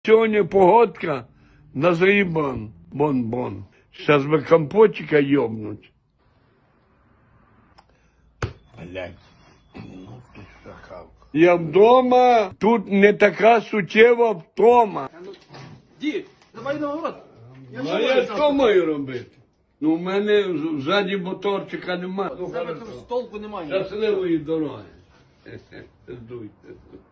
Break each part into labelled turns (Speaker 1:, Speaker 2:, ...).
Speaker 1: Сьогодні погодка на зрібан. Бон-бон. Зараз би компотика йобнуть. Блядь. Ну ти шахавка. Я вдома, тут не така суттєва втома.
Speaker 2: Дід, давай на город.
Speaker 1: А я що маю робити? Ну, в мене ззаді моторчика немає.
Speaker 2: У тебе там столку немає.
Speaker 1: Щасливої дороги. Здуйте.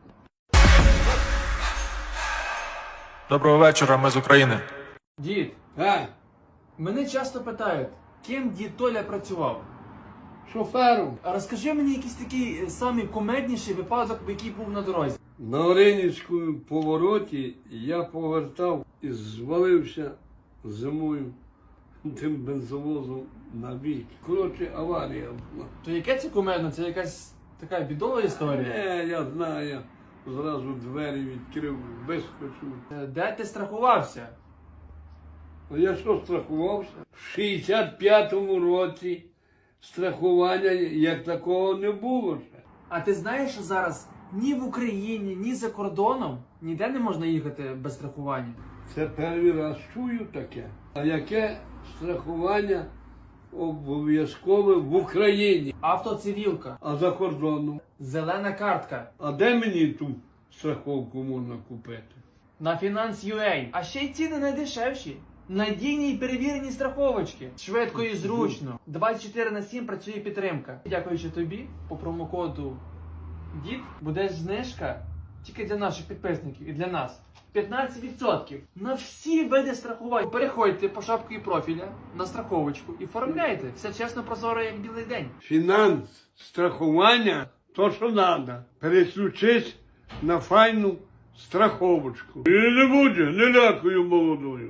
Speaker 3: Доброго вечора, ми з України.
Speaker 2: Дід, мене часто питають, ким дід Толя працював.
Speaker 1: Шофером.
Speaker 2: А розкажи мені якийсь такий самий кумедніший випадок, який був на дорозі.
Speaker 1: На Оринівському повороті я повертав і звалився зимою тим бензовозом на бік. Коротше, аварія була.
Speaker 2: То яке це кумедно? Це якась така бідова історія?
Speaker 1: Я знаю, я зразу двері відкрив, вискочив.
Speaker 2: Де ти страхувався?
Speaker 1: А я що страхувався? В 65-му році страхування як такого не було ще.
Speaker 2: А ти знаєш, що зараз ні в Україні, ні за кордоном ніде не можна їхати без страхування?
Speaker 1: Це перший раз чую таке. А яке страхування обов'язкове в Україні?
Speaker 2: Автоцивілка,
Speaker 1: А за кордоном?
Speaker 2: зелена картка,
Speaker 1: А де мені ту страховку можна купити?
Speaker 2: на Finance.ua. А ще й ціни найдешевші. Надійні і перевірені страховочки. Швидко і зручно. 24/7 працює підтримка. Дякуючи тобі, по промокоду ДІД буде знижка тільки для наших підписників і для нас. 15% на всі види страхувань. Переходьте по шапці профіля на страховочку і оформляйте. Все чесно, прозоро, як білий день.
Speaker 1: Фінанс, страхування, то що треба. Переключись на файну страховочку. І не буде, не лякую молодою.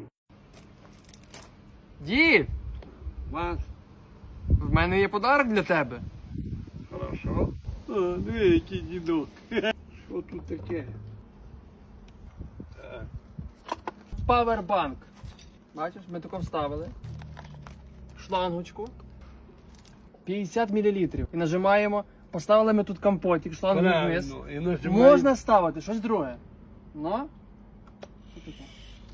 Speaker 2: Дід,
Speaker 1: Вас?
Speaker 2: в мене є подарок для тебе.
Speaker 1: Хорошо. Диви, який дідок. Що тут таке?
Speaker 2: Павербанк. Бачиш, ми тако вставили. Шлангочку. 50 мл. І нажимаємо. Поставили ми тут компотик, шлангу вниз.
Speaker 1: Правильно. І нажимаємо.
Speaker 2: Можна ставити щось друге. Ну. Що таке?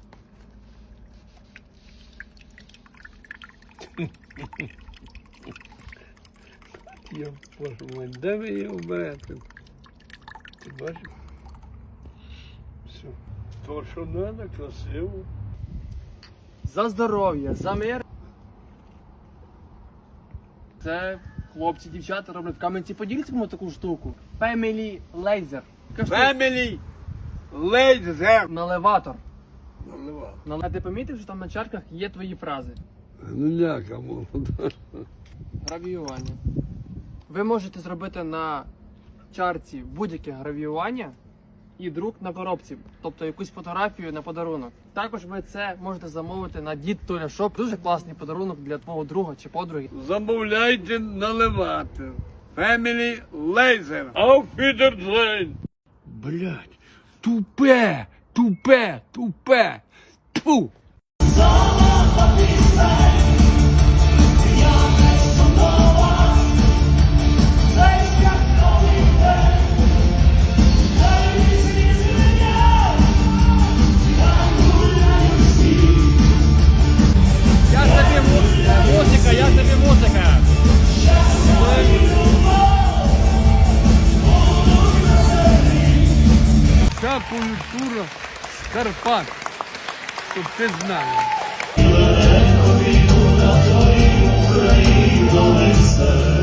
Speaker 1: Я боже мой, де ви його берете? Ти бачиш? Все. То, що треба, красиво.
Speaker 2: За здоров'я, за мир. Це хлопці, дівчата роблять в Кам'янці-Подільському таку штуку. Family Laser. Така штука.
Speaker 1: Family Laser.
Speaker 2: Наливатор.
Speaker 1: Наливав.
Speaker 2: А ти помітив, що там на чарках є твої фрази?
Speaker 1: Ну ляка молода.
Speaker 2: Гравіювання. Ви можете зробити на чарці будь-яке гравіювання і друк на коробці, тобто якусь фотографію на подарунок. Також ви це можете замовити на Дід Толя Шоп. Дуже класний подарунок для твого друга чи подруги.
Speaker 1: Замовляйте наливати. Family Laser. Auf Wiedersehen. Блять, тупе, тупе, тупе. Тьфу.
Speaker 2: Я тобі музика.
Speaker 1: Вся культура з Карпат, щоб ти знав.